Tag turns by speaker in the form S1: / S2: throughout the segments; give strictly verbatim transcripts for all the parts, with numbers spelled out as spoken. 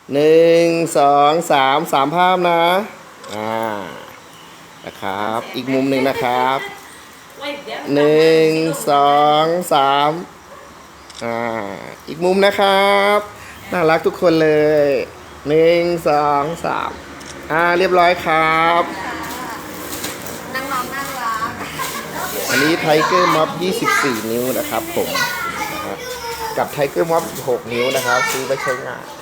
S1: หนึ่งสองสามสามภาพนะอ่านะครับอีกมุมหนึ่งนะครับหนึ่งสองสามอ่าอีกมุมนะครับน่ารักทุกคนเลยหนึ่งสองสามอ่าเรียบร้อยครับ
S2: น้องน้องน่ารัก
S1: อันนี้ไทเกอร์ม็อบยี่สิบสี่นิ้วนะครับผมนะครับกับไทเกอร์ม็อบสิบหกนิ้วนะครับซื้อไปใช้งาน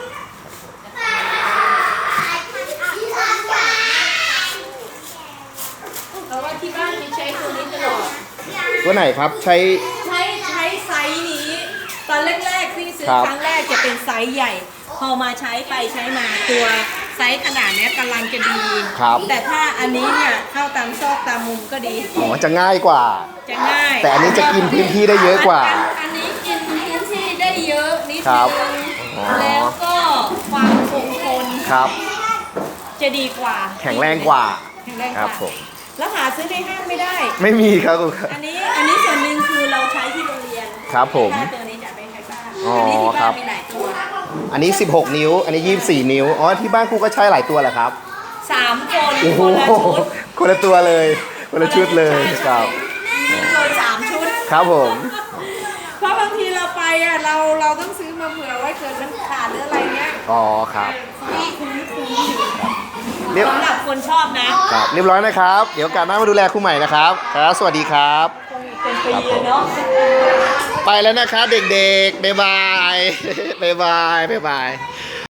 S2: เพราะว่าที่บ้านมีใช้ตัวนี้ตลอด
S1: ตัวไหนครับใช้
S2: ใช้ใช้ไซส์นี้ ตอนแรกๆที่ซื้อ
S1: ครับ
S2: ครั้งแรกจะเป็นไซส์ใหญ่ พอมาใช้ไปใช้มาตัวไซส์ขนาดเนี้ยกำลังจะดี
S1: ครับ
S2: แต่ถ้าอันนี้เนี่ยเข้าตามซอกตามมุมก็ดี
S1: อ๋อจะง่ายกว่า
S2: จะง่าย
S1: แต่อันนี้จะกินพื้นที่ได้เยอะกว่า
S2: อันอันนี้กินพื้นที่ได้เยอะนิด
S1: ครั
S2: นึ
S1: บ
S2: ง
S1: อ๋อ
S2: แล้วก็ความคงทน
S1: ครับ
S2: จะดีกว่า
S1: แข็งแรงกว่า
S2: แข็งแรงก
S1: ครั
S2: ว่า
S1: บผม
S2: แล้วหาซื้อในห้างไม่ได้
S1: ไม่มีครับคุณครับ
S2: อันนี้อันนี้ส่วนหนึ่งคือเราใช้ที่โรงเรียน
S1: ครับผม
S2: ถ้าตัวนี้จะไปใช้บ้าน
S1: อ๋อ
S2: อันี้ที่
S1: ครั
S2: บ้า
S1: บ
S2: นมีหลายตัว
S1: อันนี้สิบหกนิ้ว อันนี้ยี่สิบสี่นิ้วอ๋อที่บ้านครูก็ใช้หลายตัวแหละครับ
S2: สามคน
S1: โอ้โห
S2: คนละชุด
S1: คนละตัวเลยคนละชุดเลยครับ
S2: เลยสามชุด
S1: ครับผม
S2: เพราะบางทีเราไปอ่ะเราเราต้องซื้อมาเผื่อไว้เกิดมันขาดหรืออะไรเงี้ย
S1: อ๋อครับ
S2: คุ้มคุ้มคุ้ม
S1: เรียบ
S2: สำหรับคนชอบนะครับ
S1: เรียบร้อยนะครับ เดี๋ยวโอกาสหน้ามาดูแลครูใหม่นะครับครับสวัสดีครับ
S2: คงเป็นปีเลยเนาะ
S1: ไปแล้วนะครับเด็กๆบ๊ายบาย บ๊ายบายบ๊ายบาย